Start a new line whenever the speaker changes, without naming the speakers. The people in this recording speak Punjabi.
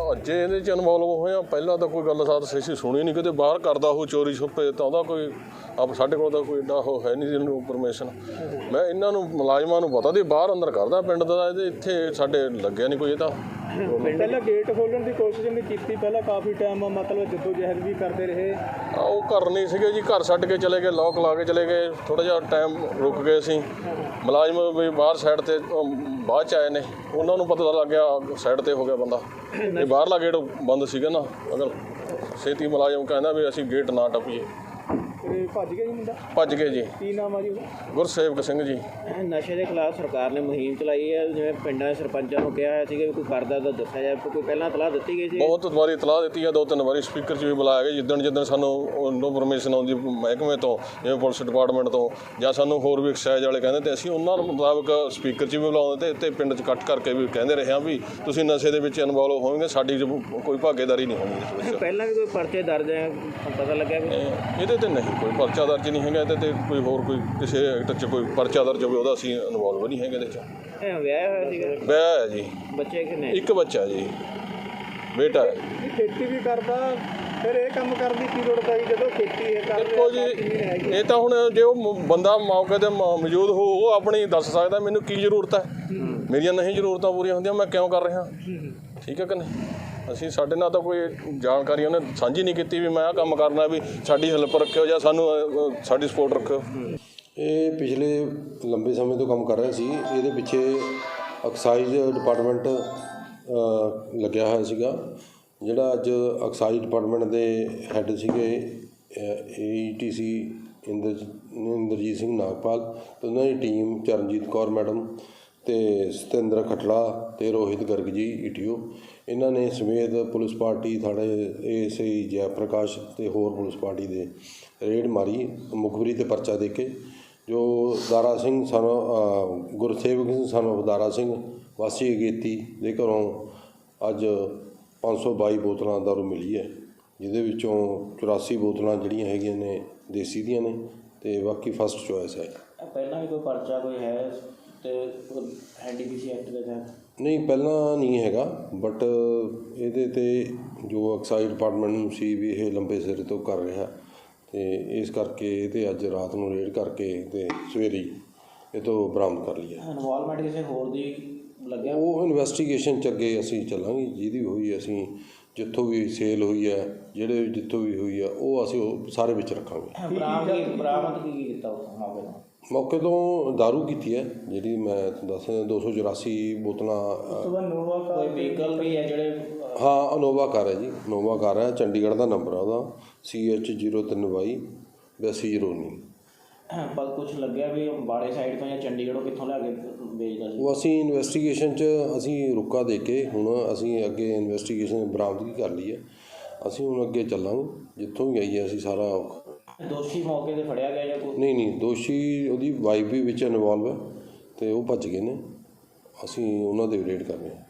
अजे ये इनवॉल्व होए आ, पहला तो कोई गलबात असीं सुनी नहीं, किते बाहर करदा हो चोरी छुपे तो ਉਹਦਾ कोई आप साडे कोल ਤਾਂ कोई एडा है नहीं ਜਿਹਨੂੰ परमिशन। मैं ਇਹਨਾਂ ਨੂੰ ਮੁਲਾਜ਼ਮਾਂ ਨੂੰ ਪਤਾ ਦੀ ਬਾਹਰ ਅੰਦਰ ਕਰਦਾ ਪਿੰਡ ਦਾ, ਇਹਦੇ ਇੱਥੇ ਸਾਡੇ ਲੱਗਿਆ ਨਹੀਂ ਕੋਈ। ਇਹ ਤਾਂ
ਪਹਿਲਾਂ ਗੇਟ ਖੋਲ੍ਹਣ ਦੀ ਕੋਸ਼ਿਸ਼ ਨਹੀਂ ਕੀਤੀ, ਪਹਿਲਾਂ ਕਾਫੀ ਟਾਈਮ ਮਤਲਬ ਜੱਦੋ ਜਹਿਦ ਵੀ ਕਰਦੇ ਰਹੇ।
ਉਹ ਘਰ ਨਹੀਂ ਸੀਗੇ ਜੀ, ਘਰ ਛੱਡ ਕੇ ਚਲੇ ਗਏ, ਲੋਕ ਲਾ ਕੇ ਚਲੇ ਗਏ, ਥੋੜ੍ਹਾ ਜਿਹਾ ਟਾਈਮ ਰੁਕ ਗਏ ਅਸੀਂ। ਮੁਲਾਜ਼ਮ ਵੀ ਬਾਹਰ ਸਾਈਡ 'ਤੇ ਬਾਅਦ 'ਚ ਆਏ ਨੇ, ਉਹਨਾਂ ਨੂੰ ਪਤਾ ਲੱਗ ਗਿਆ ਸਾਈਡ 'ਤੇ ਹੋ ਗਿਆ ਬੰਦਾ। ਇਹ ਬਾਹਰਲਾ ਗੇਟ ਬੰਦ ਸੀਗਾ ਨਾ, ਅਗਰ ਛੇਤੀ ਮੁਲਾਜ਼ਮ ਕਹਿੰਦਾ ਵੀ ਅਸੀਂ ਗੇਟ ਨਾ ਟੱਪੀਏ।
ਭੱਜ ਗਿਆ ਜੀ ਮੁੰਡਾ?
ਭੱਜ ਗਏ ਜੀ।
ਕੀ ਨਾਮ ਆ ਜੀ ਉਹਦਾ?
ਗੁਰਸੇਵਕ ਸਿੰਘ ਜੀ।
ਨਸ਼ੇ ਦੇ ਖਿਲਾਫ ਸਰਕਾਰ ਨੇ ਮੁਹਿੰਮ ਚਲਾਈ ਹੈ, ਜਿਵੇਂ ਪਿੰਡਾਂ ਦੇ ਸਰਪੰਚਾਂ ਨੂੰ ਕਿਹਾ ਹੋਇਆ ਸੀਗਾ ਵੀ ਕੋਈ ਕਰਦਾ ਤਾਂ ਦੱਸਿਆ ਜਾਏ, ਕੋਈ ਪਹਿਲਾਂ ਤਲਾਹ ਦਿੱਤੀ ਗਈ ਸੀ?
ਬਹੁਤ ਵਾਰੀ ਤਲਾਹ ਦਿੱਤੀ ਹੈ, 2-3 ਵਾਰੀ ਸਪੀਕਰ 'ਚ ਵੀ ਬੁਲਾਇਆ ਗਿਆ। ਜਿੱਦਣ ਸਾਨੂੰ ਨੋ ਪਰਮਿਸ਼ਨ ਆਉਂਦੀ ਮਹਿਕਮੇ ਤੋਂ, ਜਿਵੇਂ ਪੁਲਿਸ ਡਿਪਾਰਟਮੈਂਟ ਤੋਂ, ਜਾਂ ਸਾਨੂੰ ਹੋਰ ਵੀ ਐਕਸਾਈਜ਼ ਵਾਲੇ ਕਹਿੰਦੇ, ਤੇ ਅਸੀਂ ਉਹਨਾਂ ਮੁਤਾਬਕ ਸਪੀਕਰ 'ਚ ਵੀ ਬੁਲਾਉਂਦੇ ਤੇ ਪਿੰਡ 'ਚ ਇਕੱਠ ਕਰਕੇ ਵੀ ਕਹਿੰਦੇ ਰਹੇ ਹਾਂ ਵੀ ਤੁਸੀਂ ਨਸ਼ੇ ਦੇ ਵਿੱਚ ਇਨਵੋਲਵ ਹੋਵੋਗੇ, ਸਾਡੀ ਕੋਈ ਭਾਗੀਦਾਰੀ ਨਹੀਂ ਹੋਣੀ ਇਸ ਵਿੱਚ।
ਪਹਿਲਾਂ ਵੀ ਕੋਈ ਪਰਚੇ ਦਰਜ ਹੈ, ਪਤਾ ਲੱਗਿਆ ਵੀ?
ਇਹਦੇ ਤੇ ਨਹੀਂ ਕੋਈ ਪਰਚਾ ਦਰਜ ਨਹੀਂ ਹੈਗਾ, ਇਹਦੇ ਤੇ ਕੋਈ ਹੋਰ ਕੋਈ ਕਿਸੇ ਐਕਟ 'ਚ ਕੋਈ ਪਰਚਾ ਦਰਜ ਹੋਵੇ ਉਹਦਾ ਅਸੀਂ ਇਨਵੋਲਵ ਨਹੀਂ ਹੈਗੇ ਇਹਦੇ 'ਚ।
ਵਿਆਹ ਹੋਇਆ ਸੀਗਾ?
ਵਿਆਹ ਹੈ ਜੀ।
ਬੱਚੇ ਕਿੰਨੇ?
ਇੱਕ ਬੱਚਾ ਜੀ, ਬੇਟਾ ਹੈ।
ਖੇਤੀ ਵੀ ਕਰਦਾ, ਫਿਰ ਇਹ ਕੰਮ ਕਰਨ ਦੀ ਕੀ ਲੋੜ ਪਈ ਜਦੋਂ ਖੇਤੀ ਹੈ ਕਰ?
ਦੇਖੋ ਜੀ, ਇਹ ਤਾਂ ਹੁਣ ਜੇ ਉਹ ਬੰਦਾ ਮੌਕੇ 'ਤੇ ਮੌਜੂਦ ਹੋ, ਉਹ ਆਪਣੀ ਦੱਸ ਸਕਦਾ ਮੈਨੂੰ ਕੀ ਜ਼ਰੂਰਤ ਹੈ। ਮੇਰੀਆਂ ਨਹੀਂ ਜ਼ਰੂਰਤਾਂ ਪੂਰੀਆਂ ਹੁੰਦੀਆਂ, ਮੈਂ ਕਿਉਂ ਕਰ ਰਿਹਾ, ਠੀਕ ਹੈ ਕਿ ਨਹੀਂ? ਅਸੀਂ ਸਾਡੇ ਨਾਲ ਤਾਂ ਕੋਈ ਜਾਣਕਾਰੀ ਉਹਨੇ ਸਾਂਝੀ ਨਹੀਂ ਕੀਤੀ ਵੀ ਮੈਂ ਆਹ ਕੰਮ ਕਰਨਾ, ਵੀ ਸਾਡੀ ਹੈਲਪ ਰੱਖਿਓ ਜਾਂ ਸਾਨੂੰ ਸਾਡੀ ਸਪੋਰਟ ਰੱਖਿਓ।
ਇਹ ਪਿਛਲੇ ਲੰਬੇ ਸਮੇਂ ਤੋਂ ਕੰਮ ਕਰ ਰਿਹਾ ਸੀ। ਇਹਦੇ ਪਿੱਛੇ ਐਕਸਾਈਜ਼ ਡਿਪਾਰਟਮੈਂਟ ਲੱਗਿਆ ਹੋਇਆ ਸੀਗਾ, ਜਿਹੜਾ ਅੱਜ ਐਕਸਾਈਜ਼ ਡਿਪਾਰਟਮੈਂਟ ਦੇ ਹੈੱਡ ਸੀਗੇ AETC ਇੰਦਰਜੀਤ ਸਿੰਘ ਨਾਗਪਾਲ, ਅਤੇ ਉਹਨਾਂ ਦੀ ਟੀਮ ਚਰਨਜੀਤ ਕੌਰ ਮੈਡਮ ਅਤੇ ਸਤਿੰਦਰ ਖਟੜਾ ਅਤੇ ਰੋਹਿਤ ਗਰਗ ਜੀ ETO, ਇਹਨਾਂ ਨੇ ਸਮੇਤ ਪੁਲਿਸ ਪਾਰਟੀ ਥਾਣੇ ASI ਜੈ ਪ੍ਰਕਾਸ਼ ਅਤੇ ਹੋਰ ਪੁਲਿਸ ਪਾਰਟੀ ਦੇ ਰੇਡ ਮਾਰੀ, ਮੁਖਬਰੀ 'ਤੇ ਪਰਚਾ ਦੇ ਕੇ, ਜੋ ਦਾਰਾ ਸਿੰਘ ਗੁਰਸੇਵਕ ਸਿੰਘ ਸਾਨੂੰ ਦਾਰਾ ਸਿੰਘ ਵਾਸੀ ਅਗੇਤੀ ਦੇ ਘਰੋਂ ਅੱਜ 522 ਬੋਤਲਾਂ ਦਾਰੂ ਮਿਲੀ ਹੈ, ਜਿਹਦੇ ਵਿੱਚੋਂ 84 ਬੋਤਲਾਂ ਜਿਹੜੀਆਂ ਹੈਗੀਆਂ ਨੇ ਦੇਸੀ ਦੀਆਂ ਨੇ, ਅਤੇ ਬਾਕੀ ਫਸਟ ਚੋਇਸ ਹੈ।
ਪਹਿਲਾਂ ਵੀ ਕੋਈ ਪਰਚਾ ਕੋਈ ਹੈ ਤੇ NDPC ਐਕਟ ਦੇ ਤਹਿਤ? ਨਹੀਂ,
ਪਹਿਲਾਂ ਨਹੀਂ ਹੈਗਾ, ਬਟ ਇਹਦੇ 'ਤੇ ਜੋ ਐਕਸਾਈਜ਼ ਡਿਪਾਰਟਮੈਂਟ ਨੂੰ ਸੀ ਵੀ ਇਹ ਲੰਬੇ ਸਿਰੇ ਤੋਂ ਕਰ ਰਿਹਾ, ਅਤੇ ਇਸ ਕਰਕੇ ਇਹ 'ਤੇ ਅੱਜ ਰਾਤ ਨੂੰ ਰੇਡ ਕਰਕੇ ਅਤੇ ਸਵੇਰੇ ਇਹ ਤੋਂ ਬਰਾਮਦ ਕਰ ਲਈ ਹੈ।
ਇਨਵੋਲਵਮੈਂਟ ਕਿਸੇ ਹੋਰ ਦੀ ਲੱਗਿਆ?
ਉਹ ਇਨਵੈਸਟੀਗੇਸ਼ਨ 'ਚ ਅੱਗੇ ਅਸੀਂ ਚੱਲਾਂਗੇ, ਜਿਹਦੀ ਹੋਈ ਅਸੀਂ ਜਿੱਥੋਂ ਵੀ ਸੇਲ ਹੋਈ ਹੈ, ਜਿੱਥੋਂ ਵੀ ਹੋਈ ਹੈ, ਉਹ ਅਸੀਂ ਉਹ ਸਾਰੇ ਵਿੱਚ ਰੱਖਾਂਗੇ।
ਬਰਾਮਦ ਕੀ ਕੀਤਾ ਉਸ ਮੌਕੇ ਤੋਂ?
ਮੌਕੇ ਤੋਂ ਦਾਰੂ ਕੀਤੀ ਹੈ, ਜਿਹੜੀ ਮੈਂ ਦੱਸ 284 ਬੋਤਲਾਂ।
ਕੋਈ ਵਹੀਕਲ ਵੀ ਹੈ ਜਿਹੜੇ?
ਹਾਂ, ਇਨੋਵਾ ਕਾਰ ਹੈ ਜੀ, ਇਨੋਵਾ ਕਾਰ ਹੈ, ਚੰਡੀਗੜ੍ਹ ਦਾ ਨੰਬਰ ਆ ਉਹਦਾ, CH03Y 8209।
ਪਰ ਕੁਛ ਲੱਗਿਆ ਵੀ ਬਾੜੇ ਸਾਈਡ ਤੋਂ ਜਾਂ ਚੰਡੀਗੜ੍ਹੋਂ ਕਿੱਥੋਂ ਲਿਆ ਕੇ ਵੇਚਦਾ ਸੀ?
ਉਹ ਅਸੀਂ ਇਨਵੈਸਟੀਗੇਸ਼ਨ 'ਚ ਅਸੀਂ ਰੁਕਾ ਦੇ ਕੇ ਹੁਣ ਅਸੀਂ ਅੱਗੇ ਇਨਵੈਸਟੀਗੇਸ਼ਨ ਬਰਾਮਦਗੀ ਕਰ ਲਈ ਹੈ। ਅਸੀਂ ਹੁਣ ਅੱਗੇ ਚੱਲਾਂਗੇ, ਜਿੱਥੋਂ ਵੀ ਆਈ ਹੈ ਅਸੀਂ ਸਾਰਾ।
ਦੋਸ਼ੀ ਮੌਕੇ 'ਤੇ ਫੜਿਆ ਗਿਆ ਜਾਂ ਕੋਈ?
ਨਹੀਂ, ਦੋਸ਼ੀ ਉਹਦੀ ਵਾਈਫ ਵੀ ਵਿੱਚ ਇਨਵੋਲਵ ਹੈ, ਅਤੇ ਉਹ ਭੱਜ ਗਏ ਨੇ। ਅਸੀਂ ਉਹਨਾਂ ਦੇ ਰੇਡ ਕਰ ਰਹੇ ਹਾਂ।